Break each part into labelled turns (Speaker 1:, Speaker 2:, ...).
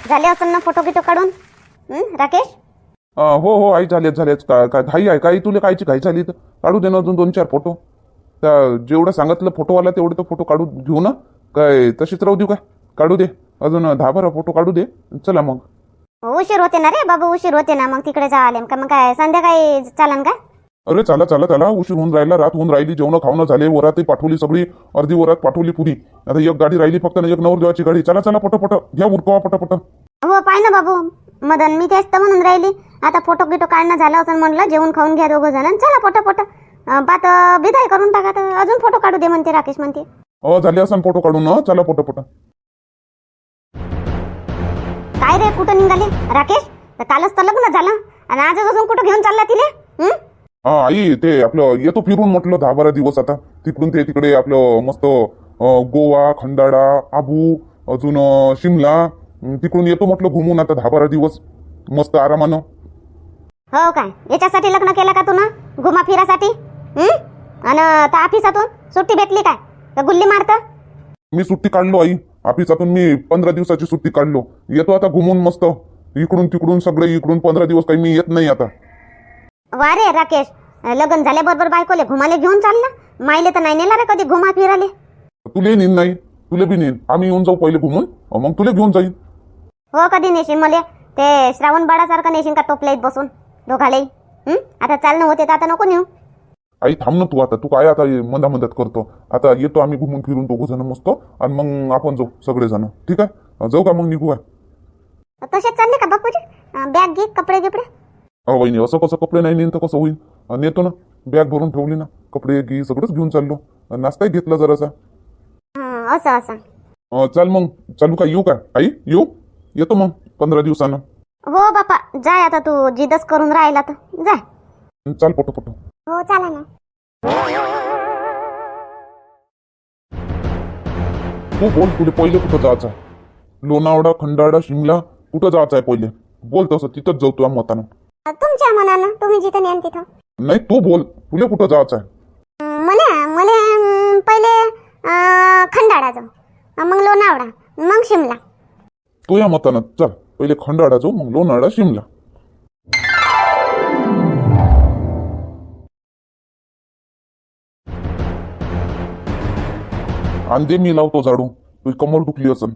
Speaker 1: झाले असेल ना फोटो गिटो काढून राकेश?
Speaker 2: हो हो आई, झालेच. काय काय घाई आहे काही तुला? कायची घाई झाली तर काढू दे ना अजून 2-4 फोटो. त्या जेवढं सांगितलं फोटोवाला तेवढे तर फोटो काढू घेऊ ना. काय तशीच राहू देऊ काय? काढू दे अजून 10-12 फोटो काढू दे. चला मग.
Speaker 1: उशीर होते ना रे बाबू, उशीर होते ना. मग तिकडे जा आले का? मग काय संध्याकाळी चालन का?
Speaker 2: अरे चला उशीर होऊन राहिला, रात होऊन राहिली, जेवण खावणं झाले, वरातही पाठवली सगळी, अर्धी वरात पाठवली पुरी. आता एक गाडी राहिली फक्त ना, एक नवरदेवाची गाडी. चला पटपट घ्या उरकवा पटपट.
Speaker 1: हो पाय ना बाबू मदन, मी तेच तर म्हणून राहिली. आता फोटो गिटो काढणं झालं असं म्हणलं, जेवण खाऊन घ्या दोघं जण. चला पटपट बात बिदाय करून टाका. तर अजून फोटो काढू दे म्हणते राकेश म्हणते.
Speaker 2: झाले असं फोटो काढून ना. चला पटपट.
Speaker 1: काय रे कुठं निघाले राकेश? तर कालच तर लग्न झालं आणि आजच अजून कुठं घेऊन चालला तिले?
Speaker 2: आई ते आपलं येतो फिरून म्हटलं 10-12 दिवस. आता तिकडून ते तिकडे आपलं मस्त गोवा, खंडाळा, आबू, अजून शिमला, तिकडून येतो म्हटलं घुमून आता 10-12 दिवस मस्त आरामानं.
Speaker 1: हो काय? याच्यासाठी लग्न केलं का तू ना? घुमा फिरासाठी? आणि त्या ऑफिसातून सुट्टी भेटली काय? का गुल्ली मारत?
Speaker 2: मी सुट्टी काढलो आई ऑफिसातून. मी 15 दिवसाची सुट्टी काढलो. येतो आता घुमून मस्त इकडून तिकडून सगळे. इकडून 15 दिवस काही मी येत नाही आता.
Speaker 1: वा रे राकेश, लग्न झाल्याबरोबर बायकोले घुमाले घेऊन चालला. मायले तर नाही नेला रे कधी घुमा फिराले.
Speaker 2: तुले नेन नाही, तुले बी नेन. आम्ही येऊन जाऊ पहिले घुमून, मग तुले घेऊन जाईन.
Speaker 1: हो कधी नेशीन मले? ते श्रावण बाळासारखं नेशीन का टोपल्यात बसून दोघाले? आता चालणं होते तर आता नको नेऊ.
Speaker 2: आई थांब ना तू. आता तू काय आता मदत करतो? आता येतो आम्ही घुमून फिरून दोघं जण मस्त, आणि मग आपण जाऊ सगळेजण. ठीक आहे? जाऊ का मग? निघू काय?
Speaker 1: तसेच चालले का बापूजी? बॅग घे, कपडे गिपडे?
Speaker 2: वहिनी असं कसं कपडे नाही नेन तर कसं होईल? नेतो ना, बॅग भरून ठेवली ना, कपडे घे सगळंच घेऊन चाललो. नाश्ताही घेतला जरासा.
Speaker 1: असं
Speaker 2: चल मग. चालू का? येऊ का आई? येतो मग 15 दिवसानं.
Speaker 1: हो बापा जाय. आता तू जिदच करून राहिला तर जाय.
Speaker 2: चाल पटो.
Speaker 1: हो चला ना.
Speaker 2: तू बोल, तुला पहिले कुठं जायचं आहे? लोणावळा, खंडाळा, शिमला कुठं जायचं आहे पहिले? बोल तसं, तिथंच जाऊ तुझ्या मतानं.
Speaker 1: तुमच्या मनानं तुम्ही जिथं नेन तिथं.
Speaker 2: नाही तू बोल, तुला कुठं जायचं आहे?
Speaker 1: मला पहिले खंडाळा जाऊ, मग लोणावळा, मग शिमला.
Speaker 2: तुझ्या मतानं चल. पहिले खंडाळा जाऊ, मग लोणावळा, शिमला. अंदे मी लावतो झाडू. तुझी कमर दुखली असन.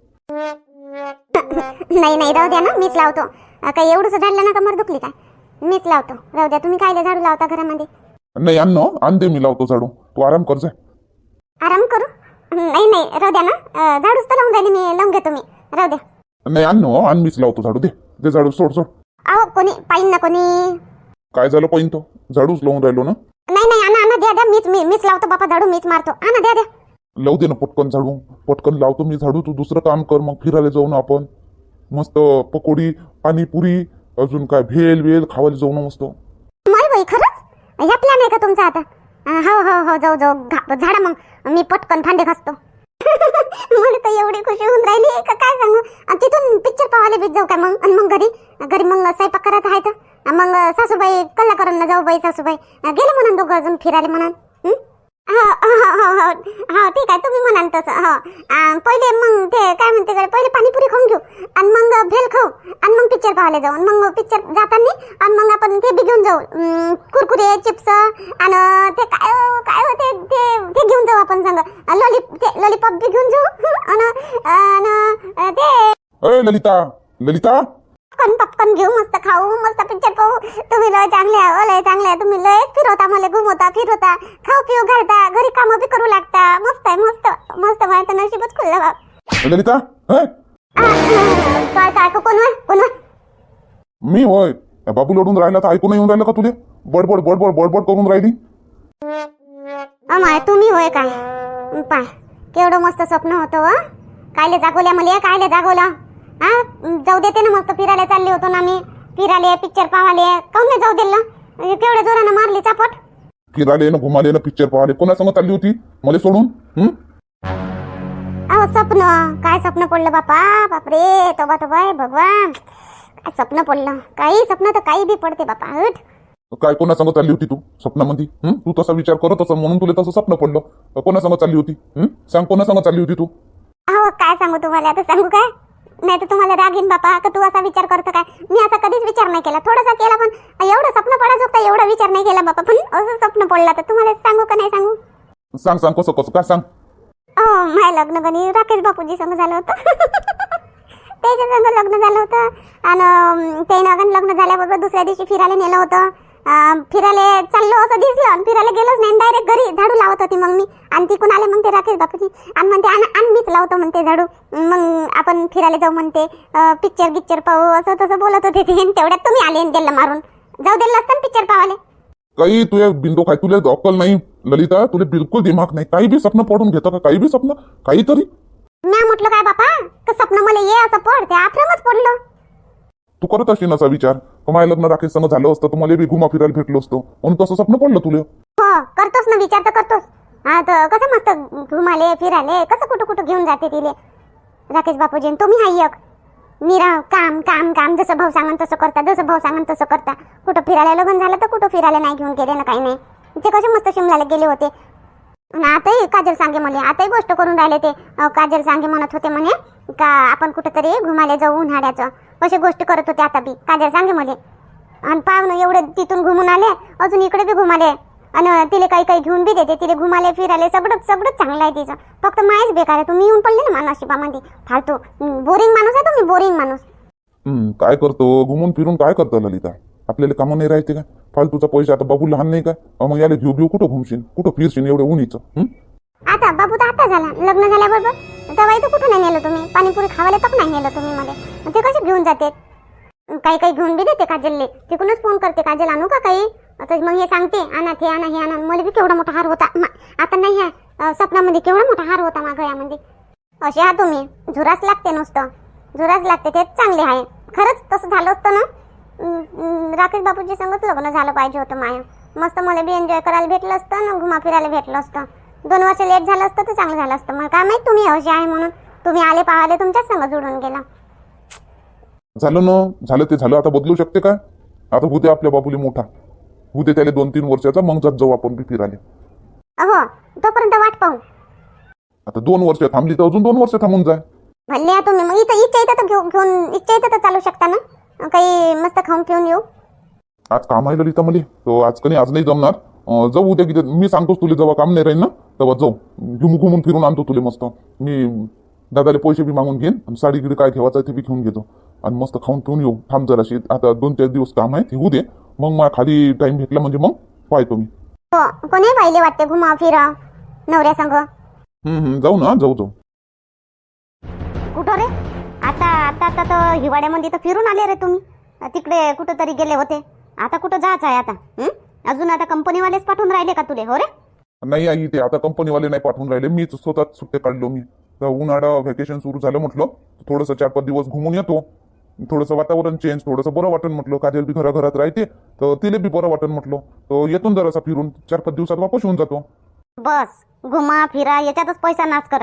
Speaker 1: नाही राहू द्या ना, मीच लावतो. काही एवढंच झाडलं ना कमर दुखली काय? मीच लावतो, राहू द्या. तुम्ही कायले झाडू लावता घरामध्ये?
Speaker 2: नाही अंदे मी लावतो झाडू. तू आराम कर जाय.
Speaker 1: आराम करू? नाही राहू द्या ना. झाडूच तर लावून राहिली मी, लावून घ्या तुम्ही, राहू द्या.
Speaker 2: नाही आण मीच लावतो झाडू. दे झाडू. सोड.
Speaker 1: अहो कोणी पाहिन ना कोणी.
Speaker 2: काय झालं पाहिन तो? झाडूच लावून राहिलो ना.
Speaker 1: नाही आणा द्या. मीच लावतो बापा झाडू, मीच मारतो. आणा द्या.
Speaker 2: लावू दे ना पटकन झाडू. पटकन लावतो मी झाडू. तू दुसरं काम कर. मग फिरायला जाऊ ना आपण मस्त. पकोडी, पाणीपुरी, अजून काय भेल खावायला जाऊ ना मस्त.
Speaker 1: माय बाई खरंच ह्या प्लॅन आहे का तुमचा आता? हो जाऊ झाडा. मग मी पटकन भांडे घासतो. मला तर एवढी खुशी होऊन राहिली का काय सांगू. तिथून पिक्चर पाहायला बीत जाऊ काय मग? आणि मग घरी मग स्वयंपाक करत आहे तर मग सासूबाई कल्ला करून ना जाऊ बाई सासूबाई गेले म्हणून दोघं अजून फिरायला म्हणून. हो ठीक आहे, तुम्ही म्हणाल तसं. हो पहिले मग ते काय म्हणते पहिले पाणीपुरी खाऊन घेऊ, आणि मग भेल खाऊ, आणि मग पिक्चर पाहायला जाऊ. आणि मग पिक्चर जाताना आणि मग आपण ते बी घेऊन जाऊ, कुरकुरे, चिप्स, आणि ते काय होते ते घेऊन जाऊ आपण संग. लॉलीपॉप बी घेऊन जाऊ. आणि ते
Speaker 2: ललिता
Speaker 1: पॉपकॉर्न घेऊ, मस्त खाऊ, मस्त पिक्चर पाहू. तुम्ही लय चांगले आहे. तुम्ही लय फिरवता, मला घुमवता फिरवता, खाऊ पिऊ घालता, घरी कामं बी करू लागता. मस्त आहे मस्त. माझं नशीबच खुललं बाप.
Speaker 2: ललिता
Speaker 1: काय कोण?
Speaker 2: मी होय. बाबू लढून राहिला तर ऐकून येऊन राहिलं का तुले? बडबड करून राहिली.
Speaker 1: अमाय तुम्ही होय काय? पाय केवढं मस्त स्वप्न होतं. कायले जागवल्या मला? कायले जागवला? जाऊ देते ना, मस्त फिरायला चालले होतो ना मी. फिरायला, पिक्चर पाहाले, काऊन नाही जाऊ दिलं? केवढ्या जोरानं मारली चापट.
Speaker 2: फिरायला ना, घुमाले ना, पिक्चर पाहाले. कोणासंग चालली होती मला सोडून?
Speaker 1: अहो स्वप्न, काय स्वप्न पडलं बापरे. तोबा भगवान, काय स्वप्न पडलं. काही स्वप्न तर काही बी पडते बापा.
Speaker 2: काय कोणासंग चालली होती तू स्वप्नामध्ये? तू तसा विचार करत असं म्हणून तुला तसं स्वप्न पडलं. कोणासंग चालली होती? सांग, कोणासंग चालली होती तू?
Speaker 1: अहो काय सांगू तुम्हाला, आता सांगू काय? नाही तर तुम्हाला राग येईन बापा का तू असा विचार करतो काय. मी असा कधीच विचार नाही केला, थोडासा केला, पण एवढं स्वप्न पडायचं होतं एवढा विचार नाही केला बापा. पण असं स्वप्न पडला तर तुम्हाला सांगू का नाही सांगू.
Speaker 2: सांग सांग कसं कसं काय सांग.
Speaker 1: माझं लग्न कधी राकेश बापूजी संग झालं होतं. त्याच्या संग लग्न झालं होतं आणि त्यानं लग्न झाल्याबरोबर दुसऱ्या दिवशी फिरायला नेलं होतं. फिरायला चाललो असं दिसलं आणि फिरायला गेलोच नाही, डायरेक्ट घरी झाडू लावत होती मग मी. आणि तिकून आले मग ते राकेश बापूजी आणि म्हणते आण मीच लावतो म्हणते झाडू, मग आपण फिरायला जाऊ म्हणते, पिक्चर गिक्चर पाहू असं तसं बोलत होते ते. तेवढ्यात तुम्ही आले आणि त्याला मारून जाऊ दिलं असतं पिक्चर पाहायला.
Speaker 2: काही तुझ्या बिंदू काय तुला अक्कल नाही ललिता, तुला बिलकुल दिमाग नाही. काही बी स्वप्न पडून घेतो का, काही बी स्वप्न काहीतरी.
Speaker 1: मी म्हटलं काय बापा का स्वप्न मला ये असं पड, ते आफ्रमच पडलं.
Speaker 2: तू करत असशील असा विचार, माझ्या लग्न राकेश संग झालं असतं तुम्हाला बी घुमा फिरायला भेटलो असतो म्हणून तसं स्वप्न पडलं तुला.
Speaker 1: हो करतोस ना विचार तर करतोस. हा तर कसं मस्त घुमाले फिराले, कसं कुठं कुठं घेऊन जाते तिले राकेश बापूजी. तुम्ही हाय एक निरा काम काम काम, जसं भाऊ सांगन तसं करता, जसं भाऊ सांगन तसं करता. कुठं फिरायला लग्न झालं तर कुठं फिरायला नाही घेऊन गेले ना, काही नाही. ते कसे मस्त शिमल्याला गेले होते. आताही काजल सांगे मला, आताही गोष्ट करून राहिले ते. काजल सांगे म्हणत होते म्हणे का आपण कुठेतरी घुमाले जाऊ उन्हाळ्याचं, अशी गोष्ट करत होते आता बी काजल सांगे मला. आणि पाहुणं एवढे तिथून घुमून आले, अजून इकडे बी घुमाले आणि तिले काही काही घेऊन बी देते. तिले घुमाले फिराले सगळंच सगळंच चांगलं आहे तिचं, फक्त माहीच बेकार आहे. तुम्ही येऊन पडले ना नशिबामध्ये, फालतू बोरिंग माणूस आहे तुम्ही, बोरिंग माणूस.
Speaker 2: काय करतो घुमून फिरून, काय करतो ललिता, आपल्याला कामं नाही राहते का. फालतूचा पैसा, आता बाबू लहान नाही का, मग याला घेऊ घेऊ कुठं घुमशील, कुठं फिरशील एवढं उन्हीचं.
Speaker 1: आता बाबू तर आता झाला लग्न झाल्याबरोबर, तेव्हा तर कुठं नाही नेलं तुम्ही, पाणीपुरी खावायला तक नाही नेलं तुम्ही मला. ते कसे घेऊन जाते, काही काही घेऊन बी देते काजलले. तिकडूनच फोन करते काजल आणू का काही, आता मग हे सांगते आणा ते आणा हे आणा. मला बी केवढा मोठा हार होता, आता नाही आहे स्वप्नामध्ये केवढा मोठा हार होता माझ्या गळ्यामध्ये. असे हा तुम्ही, झुरास लागते नुसतं, झुरास लागते, तेच चांगले आहे. खरंच तसं झालं असतं ना, राकेश बापूजी संगच लग्न झालं पाहिजे होतं माया. मस्त मला बी एन्जॉय करायला भेटलं असतं ना, घुमा फिरायला भेटलं असतं. 2 वर्ष लेट झालं असतं तर चांगलं झालं असतं. मला काय माहित तुम्ही असे आहे म्हणून, तुम्ही आले पाहाले तुमच्याच संग जुळून गेला.
Speaker 2: झालं ना, झालं ते झालं, आता बदलू शकते काय. आता होते आपल्या बाबूली मोठा, होते त्याला 2-3 वर्षाचा, मग जात जाऊ आपण बी फिरायला.
Speaker 1: अहो तोपर्यंत वाट पाहू.
Speaker 2: आता 2 वर्ष थांबली तर अजून 2 वर्ष थांबून जाय.
Speaker 1: भले या तुम्ही, मग इथं इच्छा येतं तर घेऊन इच्छा येतं तर चालू शकता ना, काही मस्त खाऊन पिऊन येऊ.
Speaker 2: आज काम आहे ललिता मला, तो आज कधी आज नाही जमणार. जाऊ उद्या किती, मी सांगतोस तुला जेव्हा काम नाही राहील ना तेव्हा जाऊ, घुमून फिरून आणतो तुला मस्त. मी दादाले पैसे बी मागून घेईन आणि साडी गिडी काय ठेवायचं ते बी घेऊन घेतो आणि मस्त खाऊन पिऊन येऊ. थांब जराशी, आता 2-4 दिवस काम आहे ते होऊ दे, मग मला खाली टाइम भेटला म्हणजे मग पाहतो मी.
Speaker 1: हो कोणी पाहिले वाटते घुमा फिरा नवऱ्या संग.
Speaker 2: जाऊ ना, जाऊ.
Speaker 1: कुठं रे आता आता आता तर हिवाळ्यामध्ये तर फिरून आले रे तुम्ही, तिकडे कुठं तरी गेले होते. आता कुठं जायचं आहे आता? अजून आता कंपनीवालेच पाठवून राहिले का तुले? हो रे
Speaker 2: नाही आई, ते आता कंपनीवाले नाही पाठवून राहिले, मीच स्वतःच सुट्टे काढलो. मी तर उन्हाळा व्हॅकेशन सुरू झालं म्हटलं, थोडंसं 4-5 दिवस घुमून येतो, थोडंसं वातावरण चेंज, थोडंसं बरं वाटन म्हटलं. काजल बी घरात राहते तर तिला बी बरं वाटन म्हटलं, तर येतो जरासा फिरून, 4-5 दिवसात वापस येऊन जातो.
Speaker 1: बस घुमा फिरा याच्यातच पैसा नाश करा.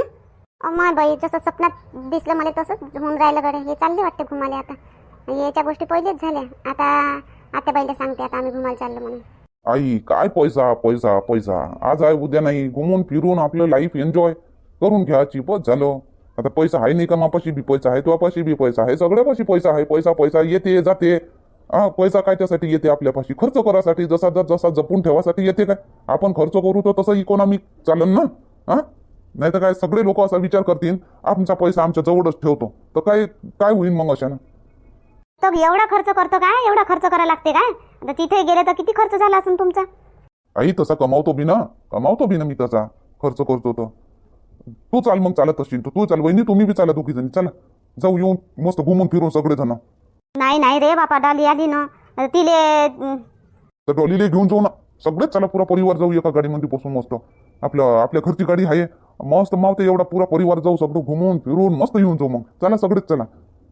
Speaker 1: अमाय बाई, जसं स्वप्नात दिसलं मला तसंच होऊन राहिलं गडे. हे चालले वाटते घुमाले आता, याच्या गोष्टी पहिलेच झाल्या. आता आता बाईला सांगते आता आम्ही घुमायला चाललो म्हणून.
Speaker 2: आई काय पैसा पैसा पैसा, आज आहे उद्या नाही, घुमून फिरून आपलं लाईफ एन्जॉय करून घ्यायची बस झालं. आता पैसा आहे नाही का, मापाशी बी पैसा आहे, तुझ्यापाशी बी पैसा आहे, सगळ्यापाशी पैसा आहे. पैसा पैसा येते जाते. पैसा काय त्यासाठी येते, आपल्यापाशी खर्च करासाठी, जसा जपून ठेवासाठी येते. काय आपण खर्च करू तर तसं इकॉनॉमिक चालन ना. नाही तर काय सगळे लोक असा विचार करतील आमचा पैसा आमच्या जवळच ठेवतो, तर काय होईल मग अशानं.
Speaker 1: तर एवढा खर्च करतो काय, एवढा खर्च करायला लागते काय? आता तिथे गेले तर किती खर्च झाला असेल तुमचा?
Speaker 2: आई तसा कमावतो बी ना मी, तसा खर्च करतो. तर तू चाल मग, चालत असशील तू चाल, वहिनी तुम्ही बी चाला, 2 जणी चला जाऊ, येऊन मस्त घुमून फिरून सगळे जण.
Speaker 1: नाही रे बापा, डाली आली ना तिले,
Speaker 2: तर डॉलीला घेऊन जाऊ ना, सगळेच चला, पुरा परिवार जाऊ एका गाडीमध्ये बसून मस्त. आपल्या घरची गाडी आहे, मस्त मावते एवढा पुरा परिवार जाऊ, सगळं घुमून फिरून मस्त येऊन जाऊ. मग चला सगळेच चला.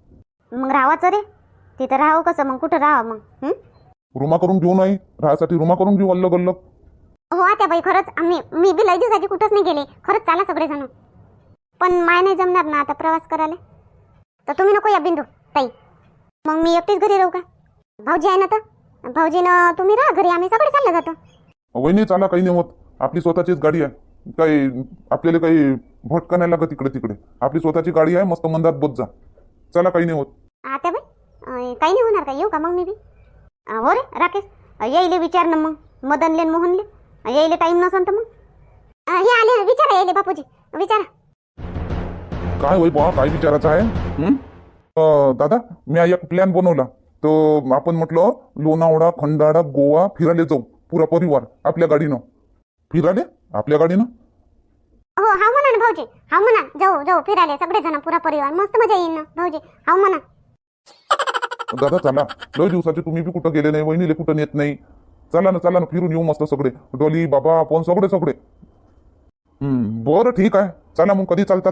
Speaker 1: मग राहायचं रे तिथं, राहू कसं मग, कुठं राहा मग?
Speaker 2: रूमा करून घेऊ, नाही राहायसाठी रूमा करून घेऊ अल्लग अल्लग.
Speaker 1: हो आता बाई, खरंच मी बी लई दिवसाची कुठंच नाही गेले, खरंच चला सगळेजण. पण माय नाही जमणार ना आता प्रवास करायला, तर तुम्ही नको या बिंदू ताई, मग मी एकटीच घरी राहू का? भाऊजी आहे ना, तर भाऊजीनं तुम्ही राहा घरी, आम्ही सगळे चालले जातो.
Speaker 2: वहिनी चाला, काही नाही होत, आपली स्वतःचीच गाडी आहे, काही आपल्याला काही भटका नाही लागत इकडे तिकडे. आपली स्वतःची गाडी आहे, मस्त मंदात बोत जा. चला काही नाही होत.
Speaker 1: आता बाई काही नाही होणार का? येऊ का मग मी बी? हो रे राकेश, येईले विचार ना मग मदनले न मोहनले, येईले टाईम नसन तर मग हे आले. विचारा येईले बापूजी, विचारा.
Speaker 2: काय होय बा, काय विचारायचं आहे? दादा, मी एक प्लॅन बनवला. तो आपण म्हटलं लोणावळा, खंडाळा, गोवा फिरायला जाऊ पुरा परिवार आपल्या गाडीनं. फिरायला आपल्या गाडीनं?
Speaker 1: हो हा म्हणा ना भाऊजी, हा म्हणा. जाऊ जाऊ फिरायला सगळेजण पुरा परिवार, मस्त मजा येईल ना भाऊजी. हा म्हणा.
Speaker 2: दादा चला, लय दिवसाचे तुम्ही बी कुठं गेले नाही, वहिनीले कुठं नेत नाही. चला ना फिरून येऊ मस्त सगळे, डोली बाबा आपण सगळे. बरं ठीक आहे, चला मग कधी चालतात?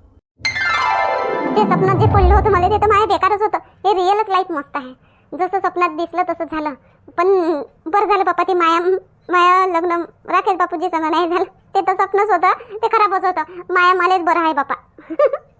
Speaker 1: ते स्वप्नात जे पडलं होतं मला ते तर माझ्या बेकारच होतं. हे रिअलच लाईफ मस्त आहे. जसं स्वप्नात दिसलं तसं झालं. पण बरं झालं बाप्पा, ते माया लग्न राकेश बापूजी संग नाही झालं. ते तर स्वप्नच होतं, ते खराबच होतं. माया मलाच बरं आहे बापा.